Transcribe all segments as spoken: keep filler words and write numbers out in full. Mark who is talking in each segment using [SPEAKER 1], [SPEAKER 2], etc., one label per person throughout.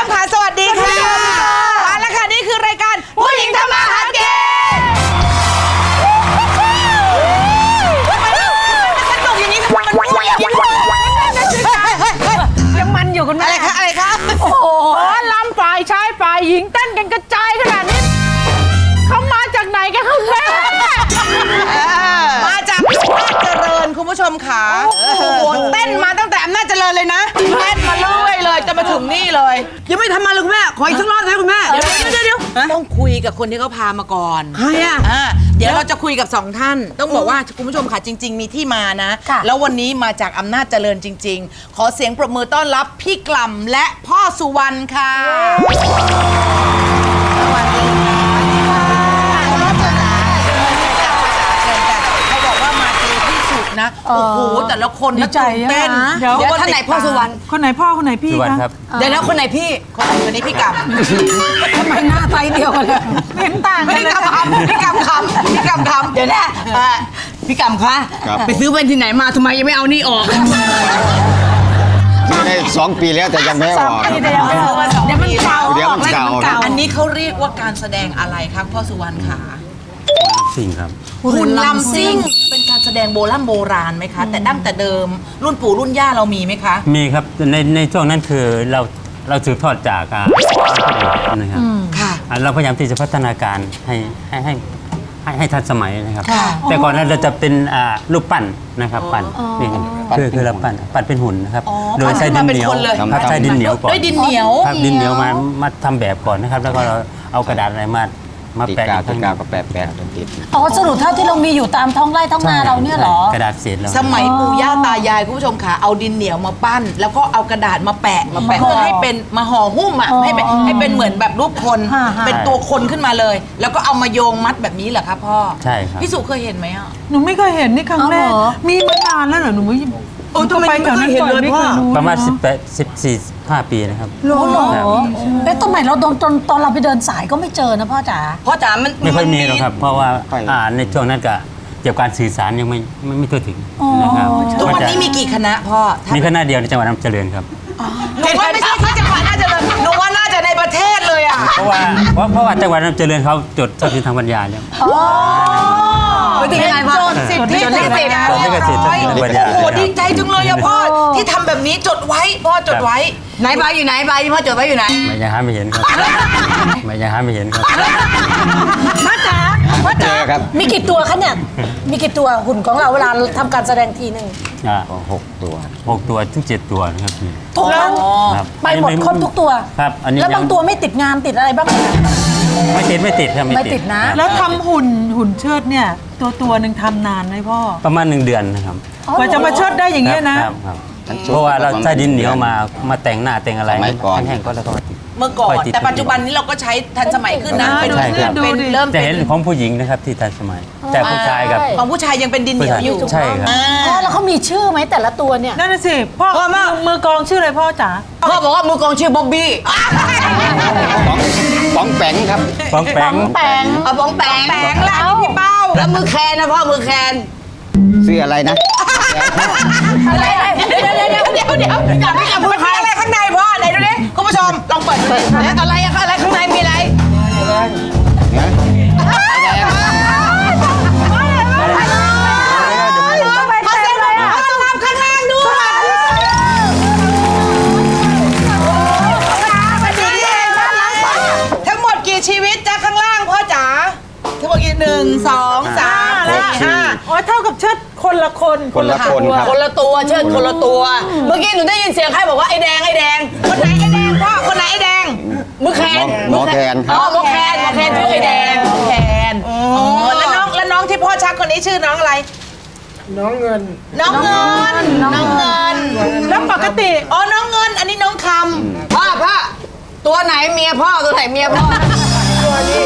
[SPEAKER 1] มค่ะสวัสดีค่ะมาแล้วค่ะนี่คือรายการผู้หญิงทำมาหากินสนุกอย่างนี้ทำไมมันวุ่นยังมันอยู่คุณแม่อะไรคะอะไรคะ
[SPEAKER 2] โอ้โหลำฝ่ายชายฝ่ายหญิงเต้นกันกระจายขนาดนี้เขามาจากไหนกันคะแม่
[SPEAKER 1] มาจากอำนาจเจริญคุณผู้ชมค่ะโอ้โหเต้นมาตั้งแต่อำนาจเจริญเลยนะเต้นมาเรื่อยเลยจะมาถึงนี่เลย
[SPEAKER 3] ยังไม่ทำมาเลยคุณแม่ขออีกสักรอบนะคุณแม่
[SPEAKER 1] เดี๋ยวเดี๋ยวเดี๋ยวต้องคุยกับคนที่เขาพามาก่อน
[SPEAKER 3] ใครอ่ะ
[SPEAKER 1] เดี๋ยวเราจะคุยกับสองท่านต้องบอกว่าคุณผู้ชมค่ะจริงๆมีที่มานะแล้ววันนี้มาจากอำนาจเจริญจริงๆขอเสียงปรบมือต้อนรับพี่กล่ำและพ่อสุวรรณค่ะสวัสดีค่ะเขาบอกว่ามาเจอที่สุดนะโอ้โหแต่ละคนนะตื่นเต้น
[SPEAKER 3] เดี๋ยวท่านไหนพ่อสุวรรณ
[SPEAKER 2] คนไหนพ่อคนไหนพี่
[SPEAKER 4] ครับ
[SPEAKER 3] เดี๋ยวแล้วคนไหนพี่
[SPEAKER 1] คนคนนี้พี่กำ
[SPEAKER 3] ทำไมหน้าไตเดียวกันเลย
[SPEAKER 2] เห็นต่างกัน
[SPEAKER 1] พี่กำคำพี่กำคำพี่กำคำ
[SPEAKER 3] เดี๋ยวนะพี่กำคะไปซื้อแว่นที่ไหนมาทำไมยังไม่เอานี่ออก
[SPEAKER 4] ซื้อได้สองปีแล้วแต่ยังไม่ออก
[SPEAKER 1] เดี๋ยวมันเก่า
[SPEAKER 4] เดี๋ยวมันเก่า
[SPEAKER 1] อันนี้เขาเรียกว่าการแสดงอะไรครับพ่อสุวรรณขา
[SPEAKER 4] สิ่งครับ
[SPEAKER 1] หุ่นลำซิ่งเป็นการแสดงโบราณโบราณไหมคะแต่ดั้งแต่เดิมรุ่นปู่รุ่นย่าเรามีไหมคะ
[SPEAKER 4] มีครับในในช่วงนั้นคือเราเราสืบทอดจากอ่านะครับ
[SPEAKER 1] ค่ะ
[SPEAKER 4] เราพยายามที่จะพัฒนาการให้ให้ให้ให้ให้ทันสมัยนะครับแต่ก่อนนั้นเราจะเป็นอ่ารูปปั้นนะครับปั้นนี่คือคือเราปั้นปั้นเป็นหุ่นนะครับโดยใช้ดินเหนียวครับใช้ดินเหนียวก่อน
[SPEAKER 1] ด้วยดินเหนียว
[SPEAKER 4] ครับดินเหนียวมามาทำแบบก่อนนะครับแล้วก็เราเอากระดาษอะไรมามาแปะติดกาวก็แปะแปะจนติด
[SPEAKER 5] อ๋อสรุปเท่าที่เรามีอยู่ตามท้องไร่ท้องนาเราเนี่ยเหรอก
[SPEAKER 4] ระดาษเศษเรา
[SPEAKER 1] สมัยปู่ย่าตายายคุณผู้ชมค่ะเอาดินเหนียวมาปั้นแล้วก็เอากระดาษมาแปะมาแปะเพื่อให้เป็นมาห่อหุ้มอ่ะให้เป็นให้เป็นเหมือนแบบรูปคนเป็นตัวคนขึ้นมาเลยแล้วก็เอามาโยงมัดแบบนี้เหรอครับพ่อ
[SPEAKER 4] ใช่ครับ
[SPEAKER 1] พี่สุเคยเห็นไหมอ่ะ
[SPEAKER 2] หนูไม่เคยเห็นนี่ครั้งแรกมีมานานแล้วเหรอหนูไม่
[SPEAKER 1] โอ้ทำไมไม่เคยเห็นเลยพ่อ
[SPEAKER 4] ประมาณสิบแปดสิบสี่ห้าปีนะครับ
[SPEAKER 5] รู้เหรอแล้วตอนไหนเราตอนตอนตอนเราไปเดินสายก็ไม่เจอนะพ่อจ๋า
[SPEAKER 3] พ่อจ๋ามัน
[SPEAKER 4] ไม่ค่อยมีหรอกครับเพราะว่าอ่าในช่วงนั้นก็เกี่ยวกับการสื่อสารยังไม่ไม่ไม่ทั่วถึงนะครับ
[SPEAKER 1] ทุกวันนี้มีกี่คณะพ่อ
[SPEAKER 4] มีคณะเดียวในจังหวัดอำนาจเจริญครับ
[SPEAKER 1] หนูว่าไม่ใช่ที่จังหวัดอำนาจเจริญหนูว่าน่าจะในประเทศเลยอ่ะ
[SPEAKER 4] เพราะว่าเพราะเพราะว่าจังหวัดอำนาจเจริญเขาจดทรัพย์สินทางปัญญาแล้ว
[SPEAKER 1] เป็นยังไงพ่อจดสิทธิจดลิขสิทธิ์
[SPEAKER 4] จดลิขสิทธิ์ทางปัญญา
[SPEAKER 1] โอ้โหดีใจจังเลยอะพ่อที่ทำแบบนี้จดไว้พ่อจดไว้
[SPEAKER 3] ไหนใบอยู่ไหนใบพ่อจดไว้อยู่ไหน
[SPEAKER 4] ไม่ยังหาไม่เห็นครับไม่ยังหาไม่เห็นครับ
[SPEAKER 5] พ่อจ๋าพ่อจ๋ามีกี่ตัวคะเนี่ยมีกี่ตัวหุ่นของเราเวลาทำการแสดงทีนึง
[SPEAKER 4] อ่าหกตัวหกตัวถึงเจ็ดตัวนะครับพี่
[SPEAKER 5] ทุกครั้งไปหมดครบทุกตัว
[SPEAKER 4] ครับอันนี้
[SPEAKER 5] แล้วบางตัวไม่ติดงานติดอะไรบ้าง
[SPEAKER 4] ไม่ติดไม่ติดครับ
[SPEAKER 5] ไม่ติดนะ
[SPEAKER 2] แล้วทำหุ่นหุ่นเชิดเนี่ยตัวตัวหนึ่งทำนานไหมพ่อ
[SPEAKER 4] ประมาณหนึ่งเดือนนะครับ
[SPEAKER 2] กว่าจะมาเชิดได้อย่างเงี้ยนะ
[SPEAKER 4] เพราะว่าเราใช้ดินเหนียวมามาแต่งหน้าแต่งอะไรแห้งๆก็แล้วก็
[SPEAKER 1] เมื่อก่อนแต่ปัจจุบันนี้เราก็ใช้ทันสมัยขึ้นนะเป็นเป็นเริ่ม
[SPEAKER 4] จะเห็นของผู้หญิงนะครับที่ทันสมัยแต่ผู้ชายกับ
[SPEAKER 1] ของผู้ชายยังเป็นดินเหนียวอยู่
[SPEAKER 4] ใช่ครับ
[SPEAKER 5] อ๋อแล้วเขามีชื่อไหมแต่ละตัวเนี่ย
[SPEAKER 2] นั่นน่ะสิพ่อมือกองชื่ออะไรพ่อจ๋า
[SPEAKER 3] พ่อบอกว่ามือกองชื่อบ๊อบบี้
[SPEAKER 4] ป๋องแปงครับป๋องแปง
[SPEAKER 5] แปง
[SPEAKER 3] เอาป๋องแปง
[SPEAKER 1] แปงล่ะพี่เป้า
[SPEAKER 3] แล้วมือแคนนะพ่อมือแคน
[SPEAKER 4] ชื่ออะไรนะ
[SPEAKER 1] อะไรเดี๋ยวเดี๋ยวเดี๋ยวเดี๋ยวเดี๋ยวจับไม่จับมือใครอะไรข้างในพ่อไหนดูดิคุณผู้ชมลองเปิดดูแล้วอะไรอะไรข้างในมีอะไรทั้งหมดกี่ชีวิตจ้าข้างล่างพ่อจ๋าทั้งหมดกี่หนึ่งสองสามสี่ห้า
[SPEAKER 2] อ๋อเท่ากับเชิดคนละคน
[SPEAKER 4] คนละคนครับ
[SPEAKER 3] คนละตัวเชิดคนละตัวเมื่อกี้หนูได้ยินเสียงใครบอกว่าไอ้แดงไอ้แดง
[SPEAKER 1] คนไหนไอ้แดงพ่อคนไหนไอ้แดง
[SPEAKER 3] มือแคน
[SPEAKER 4] หมอแคน
[SPEAKER 3] อ๋อหมอแคนหมอแคนชื่อไอ้แดง
[SPEAKER 1] หมอแคนอ๋อแล้วน้องแล้วน้องที่พ่อชักคนนี้ชื่อน้องอะไร
[SPEAKER 6] น้องเงิน
[SPEAKER 1] น้องเงินน้องเงิน
[SPEAKER 2] แล้วปกติ
[SPEAKER 1] อ๋อน้องเงินอันนี้น้องคำ
[SPEAKER 3] พ่อพ่อตัวไหนเมียพ่อตัวไหนเมียพ่อตัวนี้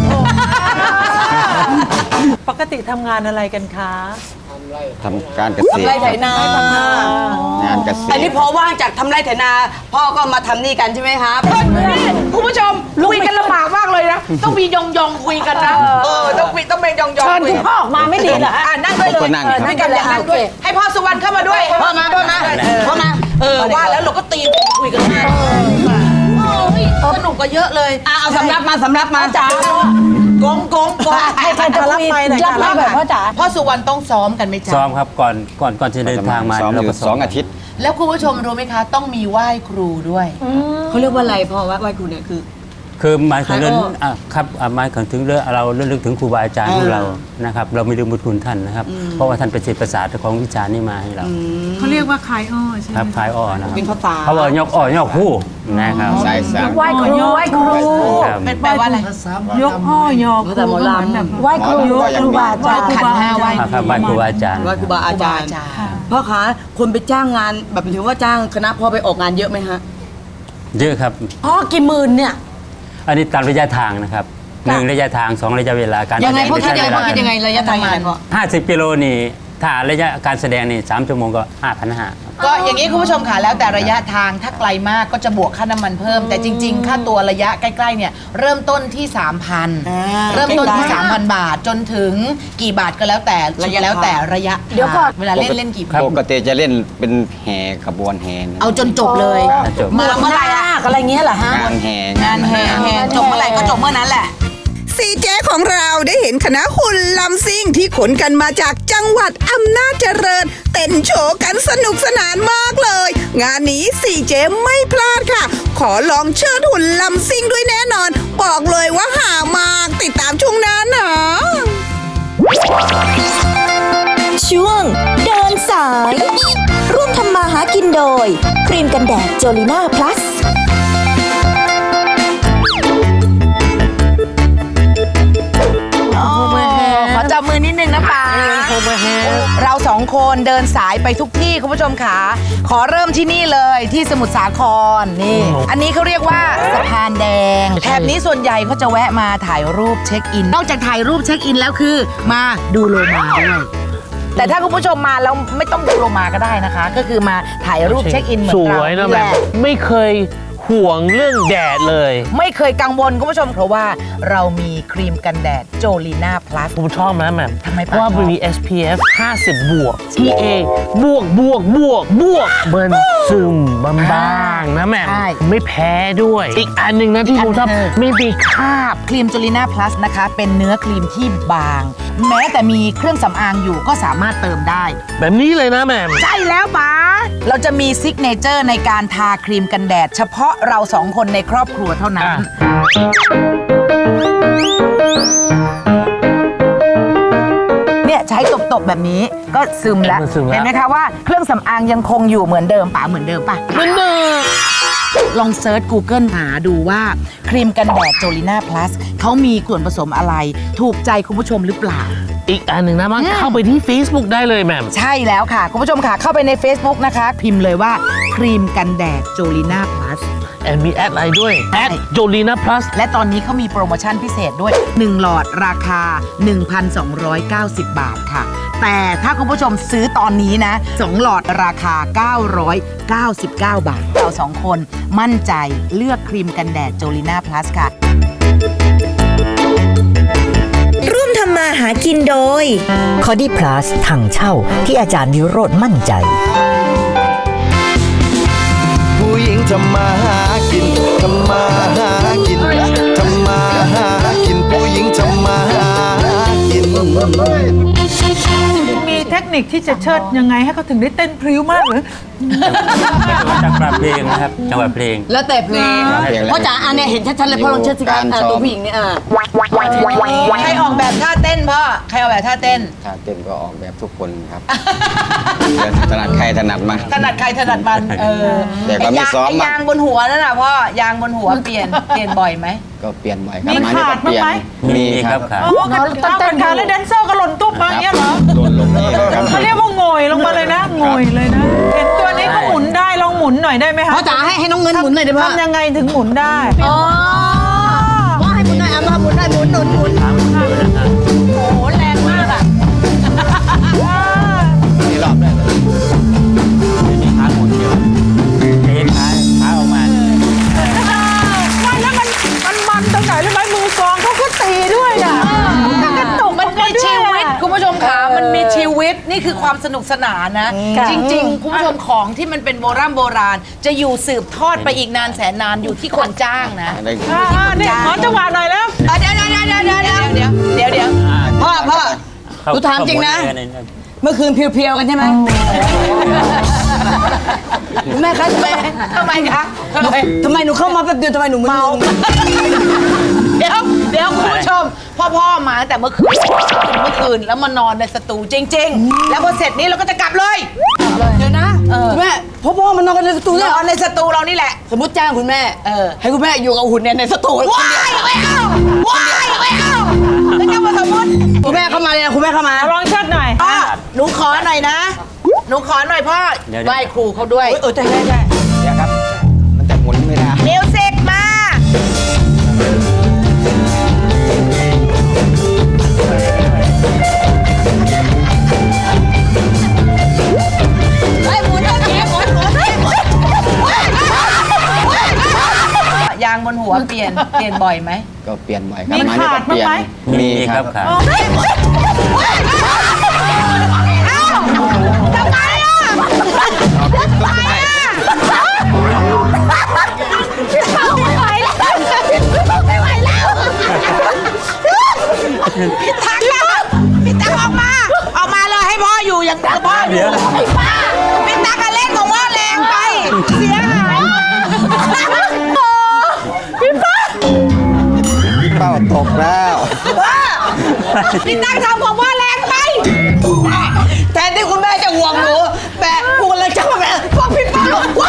[SPEAKER 2] ปกติทำงานอะไรกันคะ
[SPEAKER 4] ทำการเกษตร
[SPEAKER 3] ทำไรไถนาง
[SPEAKER 4] านเกษตร
[SPEAKER 3] อันนี้พอว่างจากทำไรไถนาพ่อก็มาทำนี่กันใช่ไหมครับ
[SPEAKER 1] คุณผู้ชมคุยกันลำบากมากเลยนะต้องมียองยองคุยกันนะเออต้องคุยต้องเป็นยองยอง
[SPEAKER 5] เชิญคุณพ่อออกมาไม่ดีเหรอฮะ
[SPEAKER 1] นั่งด้วยเลยนั่งกันอย่างนั้นด้วยให้พ่อสุวรรณเข้ามาด้วย
[SPEAKER 3] พ่อมาพ่อมาพ่อมา
[SPEAKER 1] เออว่าแล้วเราก็ตีคุยกันได้ก็เยอะเลย
[SPEAKER 3] อ่ะเอาสำรับมาสำรับมา
[SPEAKER 5] จ๋าก
[SPEAKER 1] งกงกง
[SPEAKER 5] ใครใครจะรับไปรับไปแบบพ่อจ๋า
[SPEAKER 1] พ่อสุวรรณต้องซ้อมกันไหมจ๊ะ
[SPEAKER 4] ซ้อมครับก่อนก่อนก่อนจะเดินทางมา
[SPEAKER 6] ซ้อมอ
[SPEAKER 4] เรา
[SPEAKER 6] ยู่
[SPEAKER 4] ก็
[SPEAKER 6] สองอาทิตย์
[SPEAKER 1] แล้วคุณผู้ชมรู้ไหมคะ ต้องมีไหว้ครูด้วย
[SPEAKER 3] เขาเรียกว่าอะไรพ่อว่าไหว้ครูเนี่ยคือ
[SPEAKER 4] คือหมายถึงเรื่อง
[SPEAKER 3] ขายอ้ออ่
[SPEAKER 4] อ่ะครับอ่ะหมายถึงเรื่องเราเรื่องลึกถึงครูบาอาจารย์ของเรานะครับเราไม่ลืมบุญคุณท่านนะครับเพราะว่าท่านเป็นศิษย์ประสาทของวิชานี้มาให้เรา
[SPEAKER 2] เขาเรียกว่าคายอ้อใช่ไหม
[SPEAKER 4] ครับคลายอ้อนะครับ
[SPEAKER 3] เป็นภาษา
[SPEAKER 4] เขาบอกยกอ้อยกคู่นะครับ
[SPEAKER 6] สายสาม
[SPEAKER 5] ไหว้ครูไหว้ครู
[SPEAKER 4] ครับ
[SPEAKER 1] เป็นแปลว่าอะไร
[SPEAKER 2] ยกอ้อยอครู
[SPEAKER 3] แต่หมอลำ
[SPEAKER 2] ก็เหมือนแบบ
[SPEAKER 5] ไหว้ครู
[SPEAKER 6] หมอลำ
[SPEAKER 5] ครูบาอาจารย์
[SPEAKER 1] ขันห้าไหว้
[SPEAKER 4] ครับไหว้ครูบาอาจารย์
[SPEAKER 3] ไหว้ครูบาอาจารย์
[SPEAKER 1] ครูบาอาจารย์
[SPEAKER 3] พ่อคะคนไปจ้างงานแบบถือว่าจ้างคณะพ่อไปออกงานเยอะไหมฮะ
[SPEAKER 4] เยอะครับ
[SPEAKER 5] พ่อกี่หมื่นเนี่ย
[SPEAKER 4] อันนี้ตามระยะทางนะครับหนึ่งระยะทางสองระยะเวลาการ
[SPEAKER 3] ยังไง
[SPEAKER 4] แสด
[SPEAKER 3] พ่อคิดยังไง
[SPEAKER 4] ใช้
[SPEAKER 3] พ่อคิดยังไงระยะทางงานพ่อ
[SPEAKER 4] ห้าสิบกิโลนี่ถ้าระยะการแสดงนี่สามชั่วโมงก็ห้าพันห้า
[SPEAKER 1] ก็อย่างนี้คุณผู้ชมค่ะแล้วแต่ระยะทางถ้าไกลมากก็จะบวกค่าน้ำมันเพิ่ม แต่จริง ๆ ค่าตัวระยะใกล้ๆเนี่ยเริ่มต้นที่ สามพัน
[SPEAKER 3] อ่า
[SPEAKER 1] เริ่มต้นที่ สามพัน บาทจนถึงกี่บาทก็แล้วแต่
[SPEAKER 3] ระยะ
[SPEAKER 1] แล้วแต่ระยะ
[SPEAKER 5] เดี๋ยวก่อน
[SPEAKER 1] เวลาเล่นเล่นกี่บาท
[SPEAKER 6] ปกติจะเล่นเป็นแห่ขบวนแห่นะ
[SPEAKER 1] เอาจนจบเลย
[SPEAKER 4] จบ
[SPEAKER 1] มาเมื่อไหร่อะ
[SPEAKER 5] นาคอะไรเงี้ยเหรอฮะ
[SPEAKER 6] งานแห่
[SPEAKER 1] งานแห่แห่จบเมื่อไหร่ก็จบเมื่อนั้นแหละ
[SPEAKER 7] ซีเจของเราได้เห็นคณะหุ่นลำซิ่งที่ขนกันมาจากจังหวัดอำนาจเจริญ เต้นโชว์กันสนุกสนานมากเลย งานนี้ซีเจไม่พลาดค่ะ ขอลองเชิดหุ่นลำซิ่งด้วยแน่นอน บอกเลยว่าหามากติดตามช่วงหน้านะ
[SPEAKER 8] ช่วงเดินสาย ร่วมทำมาหากินโดย ครีมกันแดดโจลิน่าพลัส
[SPEAKER 1] ขอจับมือนิดนึงนะป๋าเราสองคนเดินสายไปทุกที่คุณผู้ชมค่ะขอเริ่มที่นี่เลยที่สมุทรสาครนี่อันนี้เขาเรียกว่าสะพานแดงแถบนี้ส่วนใหญ่เขาจะแวะมาถ่ายรูปเช็คอิน นอกจากถ่ายรูปเช็คอินแล้วคือมาดูโลมาด้วยแต่ถ้าคุณผู้ชมมาแล้วไม่ต้องดูโลมาก็ได้นะคะ ก็คือมาถ่ายรูปเช็คอินเหมือน
[SPEAKER 9] ส
[SPEAKER 1] เรา
[SPEAKER 9] วยนะ
[SPEAKER 1] แห
[SPEAKER 9] แม่
[SPEAKER 1] ละ
[SPEAKER 9] ไม่เคยห่วงเรื่องแดดเลย
[SPEAKER 1] ไม่เคยกังวลคุณผู้ชมเพราะว่าเรามีครีมกันแดดโจลีน่าพลัส
[SPEAKER 9] ผมชอบนะแม่
[SPEAKER 1] ทำไม
[SPEAKER 9] เพราะว่า
[SPEAKER 1] ปะ
[SPEAKER 9] มันมี เอส พี เอฟ ห้าสิบ บวก พี เอ บวกบวกบวกบวกเบิร์นซึมบางๆนะแม่
[SPEAKER 1] ใช่
[SPEAKER 9] ไม่แพ้ด้วย อีกอันหนึ่งนะที่ผมชอบ
[SPEAKER 1] อันหนึ่ง
[SPEAKER 9] ไม่มีคราบ
[SPEAKER 1] ครีมจูลิน่าพลัสนะคะ เป็นเนื้อครีมที่บาง แม้แต่มีเครื่องสำอางอยู่ก็สามารถเติมได้
[SPEAKER 9] แบบนี้เลยนะแม่
[SPEAKER 1] ใช่แล้วป๋าเราจะมีซิกเนเจอร์ในการทาครีมกันแดด เฉพาะเราสองคนในครอบครัวเท่านั้น เนี่ยใช้ตบๆแบบนี้ก็ซึมแล้ว
[SPEAKER 9] มันซึมแล้ว
[SPEAKER 1] เห็นไหมคะว่าเครื่องสำอางยังคงอยู่เหมือนเดิมป๋าเหมือนเดิมป่ะ
[SPEAKER 9] มันเนอ
[SPEAKER 1] ลองเซิร์ช Google หาดูว่าครีมกันแดดโจลิน่าพลัสเขามีส่วนผสมอะไร ถูกใจคุณผู้ชมหรือเปล่า
[SPEAKER 9] อีกอันหนึ่งนะมันเข้าไปที่ Facebook ได้เลยแม่
[SPEAKER 1] ใช่แล้วค่ะ คุณผู้ชมค่ะเข้าไปใน Facebook นะคะ พิมพ์เลยว่าครีมกันแดดโจลิน่าพลัส
[SPEAKER 9] แอนมีแอดไลน์ด้วย
[SPEAKER 1] ใช่
[SPEAKER 9] แอดโจลีนาพลัส
[SPEAKER 1] และตอนนี้เขามีโปรโมชั่นพิเศษด้วย หนึ่ง หลอดราคา หนึ่งพันสองร้อยเก้าสิบ บาทค่ะ แต่ถ้าคุณผู้ชมซื้อตอนนี้นะ สอง หลอดราคา เก้าร้อยเก้าสิบเก้า บาท เราสองคนมั่นใจเลือกครีมกันแดดโจลิน่าพลัสค่ะ
[SPEAKER 8] ร่วมทำมาหากินโดย
[SPEAKER 10] คอดี้พลัสถังเช่าที่อาจารย์วิโรธมั่นใจ
[SPEAKER 11] ผู้หญิงทำมาหากินทำมาหากินทำมาหากินผู้หญิงทำมาหากิน
[SPEAKER 2] มีเทคนิคที่จะเชิดยังไงให้เขาถึงได้เต้นพริ้วมากหรือ
[SPEAKER 4] จังหวะเพลงนะครับจังหวะเพลง
[SPEAKER 3] แล้วแต่เพลง
[SPEAKER 6] เพลงอะไร
[SPEAKER 3] พ่อจ๋าอันเนี้ยเห็นชัดๆเลยพ่อลองเชิดสิครับ
[SPEAKER 6] การ
[SPEAKER 3] อ่า
[SPEAKER 6] ซ้อม
[SPEAKER 3] ตัวผู้หญิงเนี่ยอ่า
[SPEAKER 1] ใครออกแบบท่าเต้นพ่อ ใครออกแบบท่าเต้น
[SPEAKER 6] ถ้าเต้นก็ออกแบบทุกคนครับ ถนัดใครถนัดมัน
[SPEAKER 1] ถนัดใครถนัดมันเออ
[SPEAKER 6] แต่ก็มี
[SPEAKER 1] ไยาง
[SPEAKER 6] ซ้อม
[SPEAKER 1] ไอ้
[SPEAKER 6] บ้าง
[SPEAKER 1] ยางบนหัวนั่นน่ะพ่อยางบนหัวเปลี่ยนเปลี่ยนบ่อยไหม
[SPEAKER 6] ก็เปลี่ยนบ่อยครับ
[SPEAKER 2] มี
[SPEAKER 6] มานี่
[SPEAKER 2] ขา
[SPEAKER 6] ก็
[SPEAKER 2] ด
[SPEAKER 6] เปลี่ยน
[SPEAKER 2] บ้างไหม
[SPEAKER 6] มี
[SPEAKER 4] มี
[SPEAKER 6] ค
[SPEAKER 4] ครั
[SPEAKER 6] รับบ
[SPEAKER 4] ครับ
[SPEAKER 2] อ๋อต้องเต้นขาแล้วแดนเซอร์ก็หล่นตุ๊บมาอย่างเงี้ยเหรอ
[SPEAKER 6] โดนลงนี่ครับ
[SPEAKER 2] เขาเรียกว่าโงยลงมาเลยนะโงยเลยนะ เห็นตัวนี้เขาหมุนได้ลองหมุนหน่อยได้ไหมคะ
[SPEAKER 3] พ่อจ๋าให้ให้น้องเงินหมุนหน่อยได้ไหม
[SPEAKER 2] ทำยังไงถึงหมุนได้
[SPEAKER 3] อ๋อพ่อให้หมุนหน่อยอ่ะมาหมุนได้หมุนหนุนหมุน
[SPEAKER 1] โอ้โหแรงมากอ่ะ
[SPEAKER 6] นี่รอบแรกเลย
[SPEAKER 4] มีขาหมุนเดียวเอ็นขาขาออกมา
[SPEAKER 2] ไม่แล้วมันมันมันตรงไหนรู้ไหมมือกลองเขาก็ตีด้วยอ่ะมันกระตุก
[SPEAKER 1] มันมีชีวิตคุณผู้ชมขามันมีชีวิตนี่คือความสนุกสนานนะ จริงๆคุณผู้ชมของที่มันเป็นโบราณโบราณ จะอยู่สืบทอดไปอีกนานแสนนานอยู่ที่คนจ้างนะ
[SPEAKER 6] ได้
[SPEAKER 2] อ่านี่ขอจังหวะหน่อยแล้ว
[SPEAKER 1] เดี๋ยวเดี๋ยวเดี๋ยวเดี๋ยวเดี๋ยวเดี๋ยวเดี๋ยวเดี๋ยว
[SPEAKER 3] พ่อพ่อ
[SPEAKER 4] เข้า
[SPEAKER 3] หนูถามจริงนะ
[SPEAKER 4] เข้าหมดเลย
[SPEAKER 3] เมื่อคืนเพียวๆกันใช่ไหมคุณแม่คะทำไม
[SPEAKER 1] ทำไมคะทำไม
[SPEAKER 3] ทำไมหนูเข้ามาแป๊บเดียวทำไมหนูมึน
[SPEAKER 1] เดี๋ยวเดี๋ยวคุณผู้ชมพ่อพ่อมาตั้งแต่เมื่อคืนเมื่อคืนแล้วมานอนในสตูจริง ๆ แล้วพอเสร็จนี้เราก็จะกลับเลยเดี๋ยวนะเออ
[SPEAKER 3] คุณแม่พ่อพ่อมันนอนกันในสตู
[SPEAKER 1] น
[SPEAKER 3] เนี่ย
[SPEAKER 1] อนในสตูเรานี่แหละ
[SPEAKER 3] สมมติจ้างคุณแม่
[SPEAKER 1] เออ
[SPEAKER 3] ให้คุณแม่อยู่กับหุ่นเนี่ยในสตูคน
[SPEAKER 1] ว้า
[SPEAKER 3] เดียวย
[SPEAKER 1] ไม่เอาว้ายไม่เอาไม่ต้องมาสมมติ
[SPEAKER 3] คุณแม่เข้ามาเลยนะคุณแม่เข้ามา
[SPEAKER 2] ลองเชิดหน่อย
[SPEAKER 1] พ่อหนูขอหน่อยนะหนูขอหน่อยพ่อ
[SPEAKER 4] เดี๋ยว
[SPEAKER 1] ไหว้ครูเขาด้วย
[SPEAKER 3] เออใช่ใช่ใช่
[SPEAKER 6] เดี๋ยวครับ มันจะหมุนไม่ได้
[SPEAKER 1] มิวสิกมาเฮ้ยหมุนเถอะหมุนหมุนหมุนหมุนยางบนหัวเปลี่ยนเปลี่ยนบ่อยไหม
[SPEAKER 6] ก็เปลี่ยนบ่อยครับ
[SPEAKER 2] มี
[SPEAKER 6] ไม้นี่
[SPEAKER 2] ขา
[SPEAKER 6] ก็
[SPEAKER 2] ด
[SPEAKER 6] เปลี่ยน
[SPEAKER 2] บ้างไหม
[SPEAKER 4] มีครับครับ
[SPEAKER 1] ทำไมอ่ะทำไมอ่ะไม่ไหวแล้วไม่ไหวแล้วพี่ตั๊กแล้วพี่ตั๊กออกมาออกมาเลยให้พ่ออยู่อย่างเดียวพ่ออยู่พี่ตั๊กเล่นของพ่อแรงไปเสียหายพี่ป้า
[SPEAKER 6] พี่เป้าตกแล้ว
[SPEAKER 1] พี่ตั๊กทำของพ่อแรงไป
[SPEAKER 3] แทนที่คุณแม่จะห่วงหนูแต่พูดเลยจ้าแม่พวกพี่ป้าว้า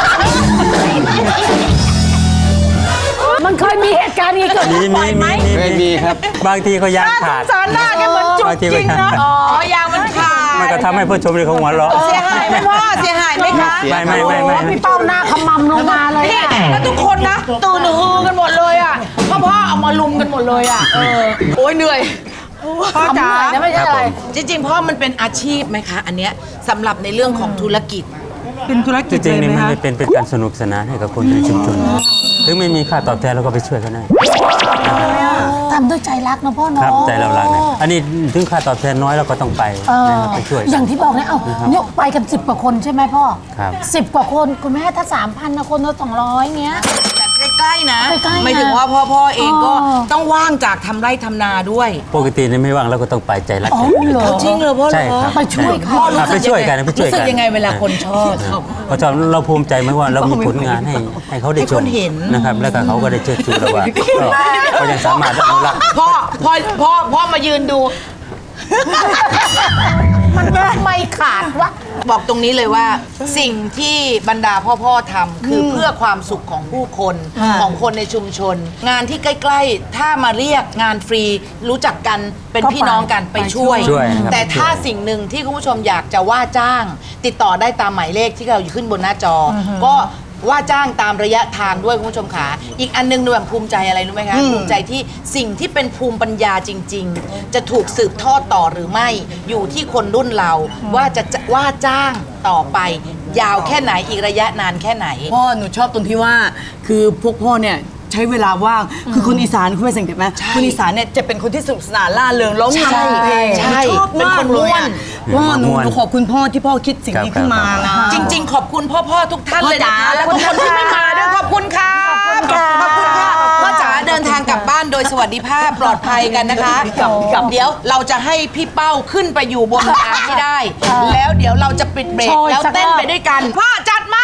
[SPEAKER 5] มันเคยมีเหตุการณ์นี้เกิด
[SPEAKER 4] มี
[SPEAKER 5] ขึ้น
[SPEAKER 4] มี
[SPEAKER 5] บ่อยไหม
[SPEAKER 4] มี
[SPEAKER 6] ไม่มีครับ
[SPEAKER 4] บางทีก็ยางขาด
[SPEAKER 2] สารหน้าแกเหมือนจุก
[SPEAKER 4] บางที
[SPEAKER 2] จ
[SPEAKER 4] ก็
[SPEAKER 2] ริง
[SPEAKER 4] ยาง
[SPEAKER 2] นะ
[SPEAKER 4] ขาด
[SPEAKER 1] อ๋อยางมันขาด
[SPEAKER 4] มันก็ทำให้ผู้ชมเลยเขาหัวเราะ
[SPEAKER 1] เสียหายไหมพ่อเสียหายไหมคะ
[SPEAKER 6] เสีย
[SPEAKER 4] ไม่ไม่ไม่ไม่
[SPEAKER 5] พี่เป้าหน้าขมำลงมาเลย
[SPEAKER 1] นี่
[SPEAKER 5] อะ
[SPEAKER 1] แล้วทุกคนนะตื่นฮือกันหมดเลยอ่ะพ่อพ่อเอามาลุมกันหมดเลยอ่ะเออโอ้ยเหนื่อยพ่อจ๋า
[SPEAKER 5] นะไม่ใช่อะไร
[SPEAKER 1] จริงๆพ่อมันเป็นอาชีพไหมคะ อันเนี้ยสำหรับในเรื่องของธุรกิจ
[SPEAKER 2] เป็นธุร
[SPEAKER 4] จ
[SPEAKER 2] กิจ
[SPEAKER 4] ริง
[SPEAKER 2] เล
[SPEAKER 4] ๆ
[SPEAKER 2] ย
[SPEAKER 4] นี่
[SPEAKER 2] ไหม
[SPEAKER 4] มัน
[SPEAKER 2] คะ
[SPEAKER 4] เป็นเป็นการสนุกสนานให้กับคนในชุมชนถึงไม่มีค่าตอบแทนเราก็ไปช่วยกันได้
[SPEAKER 5] ทำด้วยใจรักนะพ่อ
[SPEAKER 4] ค
[SPEAKER 5] เนาะ
[SPEAKER 4] รับใจเรารักนะอันนี้ถึงค่าตอบแทนน้อยเราก็ต้องไป
[SPEAKER 5] เออ
[SPEAKER 4] นะครับไปช่วย
[SPEAKER 5] อย่างที่บอกเนี่ยเอาเนี่ยไปกันสิบกว่าคนใช่ไหมพ่อ
[SPEAKER 4] ครับ
[SPEAKER 5] สิบกว่าคนคุณแม่ถ้าสามพันนะคนละสองร้อยเงี้ย
[SPEAKER 1] ใกล้ๆนะ
[SPEAKER 5] ใกล้ๆนะ
[SPEAKER 1] ไม่ถึงว่าพ่อพ่อเองก็
[SPEAKER 5] อ๋อ
[SPEAKER 1] ต้องว่างจากทำไร่ทำนาด้วย
[SPEAKER 4] ปกตินี่ไม่ว่างเราก็ต้องไปใจรัก
[SPEAKER 5] อ๋อ
[SPEAKER 4] กัน
[SPEAKER 5] เหรอ
[SPEAKER 1] จริงเหรอพ่อเหร
[SPEAKER 4] ใช่
[SPEAKER 1] อ
[SPEAKER 4] ครับ
[SPEAKER 5] ไปช่วยเขา
[SPEAKER 1] พ่อรู้
[SPEAKER 4] ครับ
[SPEAKER 1] สึ
[SPEAKER 4] ไป
[SPEAKER 1] ก
[SPEAKER 4] ช่วยกันไปช่วย
[SPEAKER 1] รู้สึ
[SPEAKER 4] กั
[SPEAKER 1] ก
[SPEAKER 4] น
[SPEAKER 1] ยังไงเวลาคนชอบ
[SPEAKER 4] เพราะฉะนั้นเราภูมิใจไหมว่าเรามีผลงานให้ให้เขาได้
[SPEAKER 1] ให้
[SPEAKER 4] ช
[SPEAKER 1] ค
[SPEAKER 4] ม
[SPEAKER 1] นเห็น
[SPEAKER 4] นะครับ แล้วก็เขาก็ได้เชิดชูเราว่าก็เขายังสามารถอนุรักษ์
[SPEAKER 1] พ่อพ่อพ่อพ่อมายืนดู
[SPEAKER 5] มันไม่ขาดวะ
[SPEAKER 1] บอกตรงนี้เลยว่าสิ่งที่บรรดาพ่อพ่อทำคือเพื่อความสุขของผู้คนของคนในชุมชน งานที่ใกล้ๆ ถ้ามาเรียกงานฟรีรู้จักกันเป็น
[SPEAKER 5] ก็ไป
[SPEAKER 1] พี่น้องกันไปช่วย
[SPEAKER 4] ช่วยนะครับ
[SPEAKER 1] แต่ถ้า
[SPEAKER 4] ช่วย
[SPEAKER 1] สิ่งหนึ่งที่คุณผู้ชมอยากจะว่าจ้าง ติดต่อได้ตามหมายเลขที่เราอยู่ขึ้นบนหน้าจออก็ว่าจ้างตามระยะทางด้วยคุณผู้ชมขาอีกอันหนึงหนูแบบภูมิใจอะไรรู้ไหมคะภูมิใจที่สิ่งที่เป็นภูมิปัญญาจริง ๆ จะถูกสืบทอดต่อหรือไม่อยู่ที่คนรุ่นเราว่าจะจะว่าจ้างต่อไปยาวแค่ไหนอีกระยะนานแค่ไหน
[SPEAKER 3] พ่อหนูชอบตรงที่ว่าคือพวกพ่อเนี่ยใช้เวลาว่างคือคนอีสานคุณไม่สังเกตไหมคนอีสานเนี่ยจะเป็นคนที่สนุกสนานล่าเริงร้อง
[SPEAKER 1] ใช่
[SPEAKER 3] เพลง
[SPEAKER 1] ใช่
[SPEAKER 3] ชอบ
[SPEAKER 1] เป็น
[SPEAKER 3] มา
[SPEAKER 1] ค
[SPEAKER 3] ก
[SPEAKER 1] น
[SPEAKER 3] เล
[SPEAKER 1] ม่
[SPEAKER 3] ย
[SPEAKER 1] วน
[SPEAKER 3] อะพ่อหนูหนูขอบคุณพ่อที่พ่อคิดสิ่งนี้ขึ้นมานะ
[SPEAKER 1] จริง ๆ ขอบคุณพ่อพ่อๆทุกท่านเลยนะคะ
[SPEAKER 3] พ่อจ๋า
[SPEAKER 1] และทุกคนที่ไม่มาด้วยขอบคุณค่ะขอบคุณค่ะพ่อจ๋าเดินทางกลับบ้านโดยสวัสดิภาพปลอดภัยกันนะคะเดี๋ยวเราจะให้พี่เป้าขึ้นไปอยู่บนทางที่ได้ แล้วเดี๋ยวเราจะปิดเบรก
[SPEAKER 5] โชว์อีก
[SPEAKER 1] แล้ว
[SPEAKER 5] สัก
[SPEAKER 1] เต้น
[SPEAKER 5] รอบ
[SPEAKER 1] ไปด้วยกันพ่อจัดมา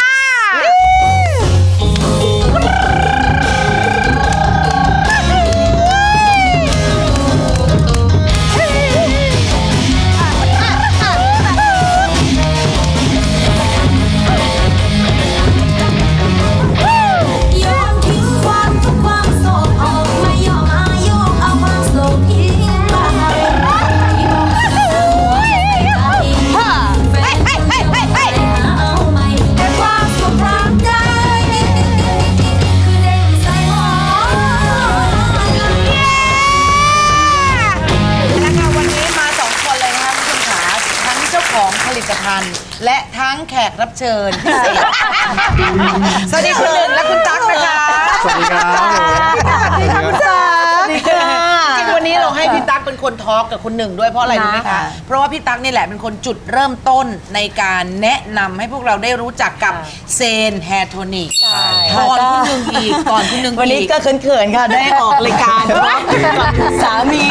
[SPEAKER 8] ยอมทิ้งความทุกข์ความโศกออกไม่ยอมอายอมเอาความโศกทิ้งไปที่บอกให้เราหัวใจแฟนคนเดียวไปหาเอาใหม่แต่ความสุขทางใจคือเด้งใส่หมอน
[SPEAKER 1] นะคะวันนี้มาสองคนเลยนะคะคุณผู้ชมขาทั้งเจ้าของผลิตภัณฑ์ และทั้งแขกรับเชิญพิเศษสวัสดีคุณหนึ่งและคุณตั๊กนะคะ
[SPEAKER 6] สวัสดีครับ
[SPEAKER 1] สวัสดีค่ะคุณตั๊กสวัสดีค่ะจริงๆวันนี้เราให้พี่พี่ตั๊กเป็นคนทอล์กกับคุณหนึ่งด้วยเพราะอะไรรู้ไหมคะเพราะว่าพี่ตั๊กนี่แหละเป็นคนจุดเริ่มต้นในการแนะนำให้พวกเราได้รู้จักกับเซนแฮร์โทนิกก่อนคุณหนึ่งอีกก่อนคุณหนึ่งอีก
[SPEAKER 3] วันนี้ก็เขินๆค่ะได้ออกรายการสามี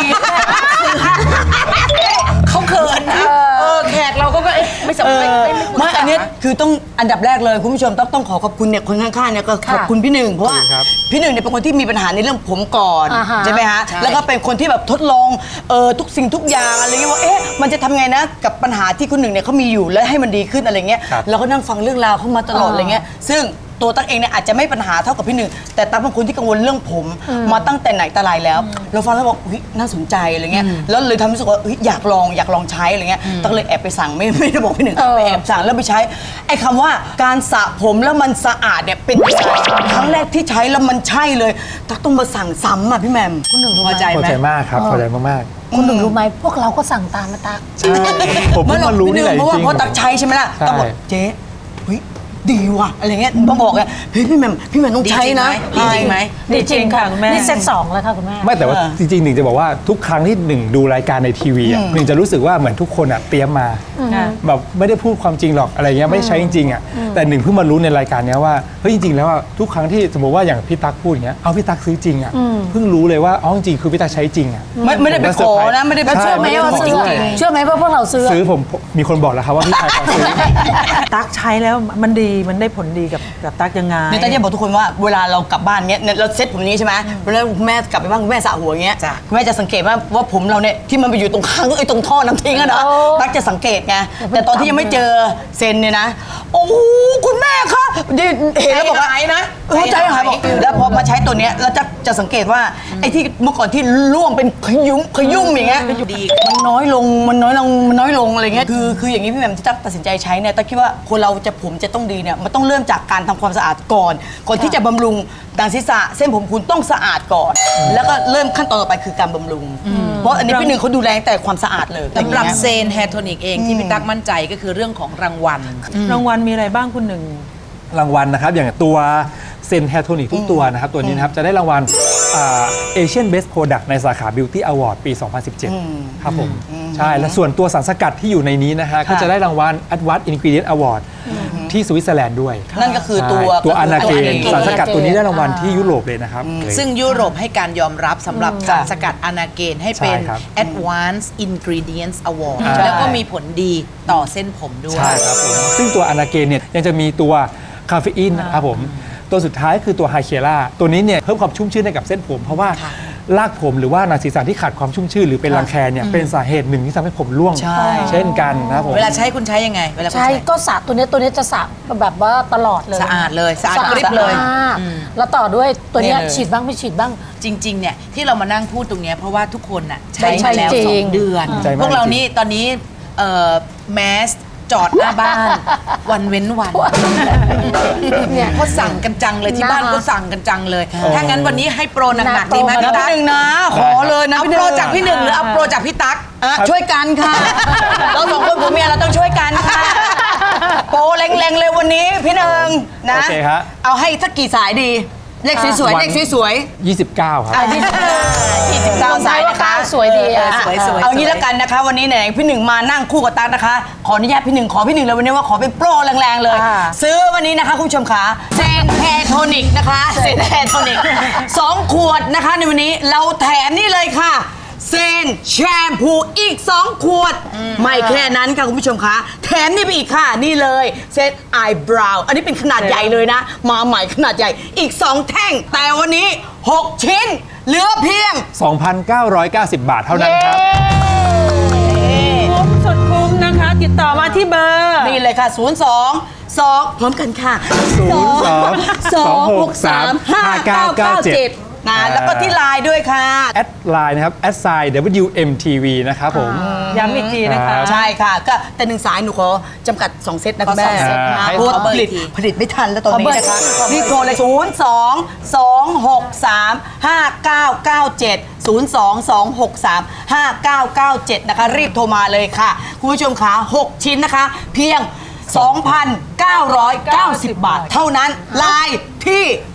[SPEAKER 1] เขาเขินนะเออแขกเราก็เอ๊ะไม่สำไม่ไม่
[SPEAKER 3] ไม่อันนี้คือต้องอันดับแรกเลยคุณผู้ชมต้องต้องขอขอบคุณเนี่ยคนข้างๆเนี่ยก็ขอบคุณพี่หนึ่งเพราะว่าพี่หนึ่งเนี่ยเป็นคนที่มีปัญหาในเรื่องผมก่อนใช่ไหมฮะแล้วก็เป็นคนที่แบบทดลองเออทุกสิ่งทุกอย่างอะไรเงี้ยว่าเอ๊ะมันจะทำไงนะกับปัญหาที่คุณหนึ่งเนี่ยเขามีอยู่แล้วให้มันดีขึ้นอะไรเงี้ยเราก็นั่งฟังเรื่องราวเขามาตลอดอะไรเงี้ยซึ่งตัวตั๊กเองเนี่ยอาจจะไม่ปัญหาเท่ากับพี่หนึ่งแต่ตั๊กเป็นคนที่กังวลเรื่องผมมาตั้งแต่ไหนแต่ไรแล้วเราฟังแล้วบอกเฮ้ยน่าสนใจอะไรเงี้ยแล้วเลยทำให้รู้สึกว่าเฮ้ยอยากลองอยากลองใช้อะไรเงี้ยตั๊กเลยแอบไปสั่งไม่ไม่ได้บอกพี่หนึ่งไปแอบสั่งแล้วไปใช้ไอ้คำว่าการสระผมแล้วมันสะอาดเนี่ยเป็นยังไงครั้งแรกที่ใช้แล้วมันใช่เลยตั๊กต้องมาสั่งซ้ำอ่ะพี่แหม่มคุณหนึ่งพอใจ
[SPEAKER 12] พอ
[SPEAKER 3] ไหม
[SPEAKER 12] ใจมากครับพอใจมากๆ
[SPEAKER 5] คุณหนึ่งรู้ไหมพวกเราก็สั่งตามมาตัก
[SPEAKER 12] ใช่ผมเพิ่งมารู้นี่แหละจ
[SPEAKER 3] เพราะว่า
[SPEAKER 12] ริง
[SPEAKER 3] เพราะตั๊กใช้ใช่ไหมล่ะตั๊กบอกเจ๊เฮ้ยดีว่ะอะไรเงี้ยต้องบอกไงเฮ้ยพี่แหม่มพี่แหม่มต้องใช้นะ
[SPEAKER 1] ดีจริงไหม
[SPEAKER 5] ดีจริงค่ะคุณแม่นี่เซตสองแล้วค่ะคุณแม่
[SPEAKER 12] ไม่แต่ว่าจริงๆหนึ่งจะบอกว่าทุกครั้งที่หนึ่งดูรายการในทีวีอ่ะหนึ่งจะรู้สึกว่าเหมือนทุกคนอ่ะเตรียมมาแบบไม่ได้พูดความจริงหรอกอะไรเงี้ยไม่ได้ใช้จริงๆอ่ะแต่หนึ่งเพิ่งมารู้ในรายการเนี้ยว่าเฮ้ยจริงๆแล้วว่าทุกครั้งที่สมมติว่าอย่างพี่ตั๊กพูดอย่างเงี้ยเอาพี่ตั๊กซื้อจริงอ่ะเพิ่งรู้เลยว่าอ๋อจริงๆคือพี่ตั๊กใช้จริงอ่ะ
[SPEAKER 3] ไม่ไม่ได้ไปขอนะไม่ได้ไป
[SPEAKER 5] แล้วเชื่อไหมว่าซื้อเชื่อไหมว่าพวกเราซื้อ
[SPEAKER 12] ซื้อผมมีคนบอกแล้วครับว่าพี่ชายขอซื้อ
[SPEAKER 2] ตั๊กใช้แล้วมันดีมันได้ผลดีกับกับตั๊กยังไง
[SPEAKER 3] เนี่ยตั๊กจะบอกทุกคนว่าเวลาเรากลับบ้านเงี้ยเนี่ยเราเซ็ตผมนี้ใช่ไหมเวลาคุณแม่กลับไปบ้านคุณแม่สระหัวเงี้ยคุณแม่จะสังเกตว่าว่าผมเราเนี่ยที่มันไปอยู่ตรงข้างไอ้ตรงท่อน้ำทิ้งอะนะตั๊กจะสังเกตไงแต่ตอนที่ยังไม่เจอเซนเนี่ยนะโอ้โหคุณแม่คะเห็นแล้วบอกว่าไอ้นะใจหายบอกแล้วพอมาใช้ตัวเนี้ยเราจะจะสังเกตว่าไอ้ที่เมื่อก่อนที่ร่วงเป็นขยุ้มขยุ่มอย่างเงี้ยมันน้อยลงมันน้อยลงมันน้อยลงอะไรเงี้ยคือคืออย่างนี้พี่แหม่มที่ตั๊กตัดสินใจใช้เนี่ยตั๊กคิดว่าคนเราจะผมจะต้องดีเนี่ยมันต้องเริ่มจากการทำความสะอาดก่อนก่อนที่จะบำรุงดังศีรษะเส้นผมคุณต้องสะอาดก่อน แล้วก็เริ่มขั้นตอนต่อไปคือการบำรุงเพราะอันนี้พี่หนึ่งเขาดูแลแต่ความสะอาดเลย
[SPEAKER 1] สำหรับเซนแฮร์โทนิกเองที่พี่ตั๊กมั่นใจก็คือเรื่องของรางวัล
[SPEAKER 2] รางวัลมีอะไรบ้างคุณหนึ่ง
[SPEAKER 12] รางวัลนะครับอย่างตัวเซนแฮร์โทนิกทุกตัวนะครับตัวนี้นะครับจะได้รางวัลเอเชียนเบสโปรดักต์ในสาขา Beauty Award ปี สองพันสิบเจ็ด ครับผมใช่และส่วนตัวสารสกัดที่อยู่ในนี้นะฮะก็จะได้รางวัล Advanced Ingredient Award ที่สวิตเซอร์แลนด์ด้วย
[SPEAKER 3] นั่นก็คือตัว
[SPEAKER 12] ตัวอนาเกนสารสกัดตัวนี้ได้รางวัลที่ยุโรปเลยนะครับ
[SPEAKER 1] ซึ่งยุโรปให้การยอมรับสำหรับสารสกัดอนาเกนให้เป็น
[SPEAKER 12] ใช่ครับ
[SPEAKER 1] Advanced Ingredients Award
[SPEAKER 12] ใช่
[SPEAKER 1] แล้วก็มีผลดีต่อเส้นผมด้วย
[SPEAKER 12] ใช่ครับผมซึ่งตัวอนาเกนเนี่ยยังจะมีตัวคาเฟอีนนะครับผมตัวสุดท้ายคือตัวไฮเคล่าตัวนี้เนี่ยเพิ่มความชุ่มชื่นให้กับเส้นผมเพราะว่ารากผมหรือว่าหนังศีรษะที่ขาดความชุ่มชื่นหรือเป็นรังแคเนี่ยเป็นสาเหตุหนึ่งที่ทำให้ผมร่วงเช่นกันนะครับผม
[SPEAKER 1] เวลาใช้คุณใช้ยังไงเวลาคุณ
[SPEAKER 5] ใช่
[SPEAKER 1] ใช้
[SPEAKER 5] ก็สระตัวเนี้ยตัวเนี้ยจะสระแบบว่าตลอดเลย
[SPEAKER 1] สะอาดเลยสะอาดกริบเลย
[SPEAKER 5] มากแล้วต่อด้วยตัวเนี้ย
[SPEAKER 1] เนี่ยเลย
[SPEAKER 5] ฉีดบ้างไม่ฉีดบ้าง
[SPEAKER 1] จริงๆเนี่ยที่เรามานั่งพูดตรงเนี้ยเพราะว่าทุกคนน่ะใช้
[SPEAKER 5] ใช่
[SPEAKER 1] มาแล้ว
[SPEAKER 5] จริง
[SPEAKER 1] สองเดือน
[SPEAKER 12] ใจมาก
[SPEAKER 1] พวกเรา
[SPEAKER 12] จริง
[SPEAKER 1] นี่ตอนนี้แมสจอดหน้าบ้าน วันเว้นวัน
[SPEAKER 5] เนี่ย
[SPEAKER 1] เขาสั่งกันจังเลยที่บ้าน
[SPEAKER 5] นะคะ
[SPEAKER 1] ก็สั่งกันจังเลย ถ้างั้นวันนี้ให้โปรหนัก
[SPEAKER 5] หนั
[SPEAKER 1] ๆ
[SPEAKER 5] ก
[SPEAKER 1] ดีไหม
[SPEAKER 5] โปร
[SPEAKER 1] พี่
[SPEAKER 3] นะ
[SPEAKER 1] ตั๊ก
[SPEAKER 3] พี่หนึ่งนะขอเลยนะ
[SPEAKER 1] เอา
[SPEAKER 3] พี่ห
[SPEAKER 1] โปร
[SPEAKER 3] นึ่ง
[SPEAKER 1] จากพี่หนึ่งหรือเอาโปรจากพี่ตั๊ก
[SPEAKER 3] อ่ะช่วยกันค่ะเราสองคนผัวเมียเราต้องช่วยกันค่ะโปรแรงๆเลยวันนี้พี่หนึ่งนะ
[SPEAKER 12] โอเคครับ
[SPEAKER 3] เอาให้สักกี่สายดีเลขสวยๆเลขสวยๆ
[SPEAKER 12] ยี่สิบเก้าครับ
[SPEAKER 3] อ่ะยี่สิบเก้าสายนะคะ
[SPEAKER 5] สวยดีอ่ะ
[SPEAKER 1] สวยๆ
[SPEAKER 3] เอางี้แล้วกันนะคะ วันนี้ไหนพี่หนึ่งมานั่งคู่กับตั๊กนะคะ ขออนุญาตพี่หนึ่งขอพี่หนึ่งเลยวันนี้ว่าขอเป็นโปรแรงๆเลย
[SPEAKER 5] อ่า
[SPEAKER 3] ซื้อวันนี้นะคะคุณผู้ชมขาเซนแฮร์โทนิกนะคะเซนแฮร์โทนิกสองขวดนะคะในวันนี้เราแถมนี่เลยค่ะเซนแชมพูอีกสองขวด ไม่แค่นั้นค่ะคุณผู้ชมคะแถมนี่ไปอีกค่ะนี่เลยเซตไอบราวอันนี้เป็นขนาดใหญ่เลยนะ มาใหม่ขนาดใหญ่อีกสองแท่ง แต่วันนี้หกชิ้นเหลือเพียง
[SPEAKER 12] สองพันเก้าร้อยเก้าสิบ บาทเท่านั้นครับ
[SPEAKER 2] คุ้มสุดคุ้มนะคะ ติดต่อมาที่เบอร์
[SPEAKER 3] นี่เลยค่ะ ศูนย์ สอง สอง พร้อมกันค่ะ
[SPEAKER 12] ศูนย์ สอง
[SPEAKER 3] สอง หก สาม ห้า เก้า เก้า เจ็ด นะแล้วก็ที่ไลน์ด้วยค่ะ
[SPEAKER 12] แอดไลน์นะครับแอดไซน์ ดับเบิลยู เอ็ม ที วี นะครับผม
[SPEAKER 2] ย้ำอีกทีนะคะ
[SPEAKER 3] ใช่ค่ะ ก็แต่หนึ่งสายหนูขอจำกัด สอง เซตนะคุณแม่
[SPEAKER 1] ขอสองเซตนะ
[SPEAKER 3] เพราะว่า
[SPEAKER 1] ขอเบอร์
[SPEAKER 3] ผลิต
[SPEAKER 1] อีกที
[SPEAKER 3] ผลิตไม่ทันแล้วตอนนี้นะคะ
[SPEAKER 5] ขอเบอร์
[SPEAKER 3] รีบโทรเลย ศูนย์ สอง สอง หก สาม ห้า เก้า เก้า เจ็ด ศูนย์ สอง สอง หก สาม ห้า เก้า เก้า เจ็ด นะคะ รีบโทรมาเลยค่ะ คุณผู้ชมคะหกชิ้นนะคะ เพียง สองพันเก้าร้อยเก้าสิบ บาท เท่านั้นไลน์ที่
[SPEAKER 12] แอด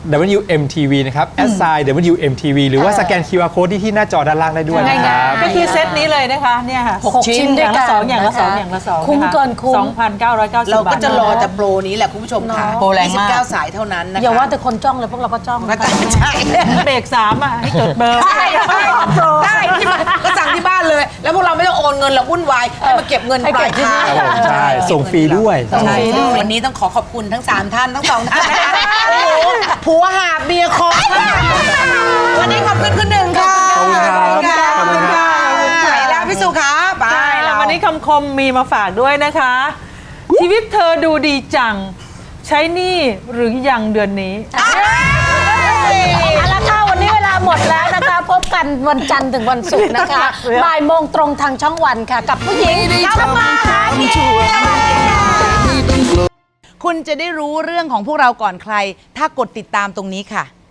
[SPEAKER 12] ดับเบิลยู เอ็ม ที วี นะครับ แอดไซน์ ดับเบิลยู เอ็ม ที วี หรือว่าสแกน คิว อาร์ Code ที่ที่หน้าจอด้านล่างได้ด้วยนะครับ
[SPEAKER 2] ก็คือเซตนี้เลยนะคะเนี่ยค่ะ
[SPEAKER 5] หกชิ้นด้วยกัน
[SPEAKER 2] อย่างละสองอย่างละสอง
[SPEAKER 5] คุ้มเกินคุ้ม
[SPEAKER 2] สองพันเก้าร้อยเก้าสิบ
[SPEAKER 1] เรา
[SPEAKER 2] บาท
[SPEAKER 1] ก็จะรอแต่โปรนี้แหละคุณผู้ชมค่ะ
[SPEAKER 3] โปรแรงมาก
[SPEAKER 1] ยี่สิบเก้าสายเท่านั้นนะคะ
[SPEAKER 5] อย่าว่าแต่คนจ้องเลยพวกเราก็จ้อง
[SPEAKER 1] ก็ใช่
[SPEAKER 2] เบรกสามอ่ะให้จดเบอร์
[SPEAKER 1] ได้ได้ที่บ้านก็สั่งที่บ้านเลย แล้วพวกเราไม่ต้องโอนเงินเราวุ่นวายให้มาเก็บเงินปลายทาง
[SPEAKER 12] ครับผมใช่ส่งฟรีด้วย
[SPEAKER 1] ใช่วันนี้ต้องขอขอบคุณทั้งสามท่านทั้งสองท่านนะคะโอ้โหผัวหาเบียร์คอวันนี้ขอบคุณคุณหนึ่งค่ะ
[SPEAKER 12] ขอบคุณครับ
[SPEAKER 1] ขอบคุณค่ะขอบคุณค่ะไปแล้วพี่สุขาไป
[SPEAKER 2] ใช่แล้ววันนี้คำคมมีมาฝากด้วยนะคะ ชีวิตเธอดูดีจัง ใช้หนี้หรือยังเดือนนี้
[SPEAKER 5] เอาละค่ะวันนี้เวลาหมดแล้วนะคะ พบกันวันจันทร์ถึงวันศุกร์นะคะบ่ายโมงตรงทางช่องวันค่ะ กับผู้หญิงทำมาหากิน
[SPEAKER 1] คุณจะได้รู้เรื่องของพวกเราก่อนใคร ถ้ากดติดตามตรงนี้ค่ะ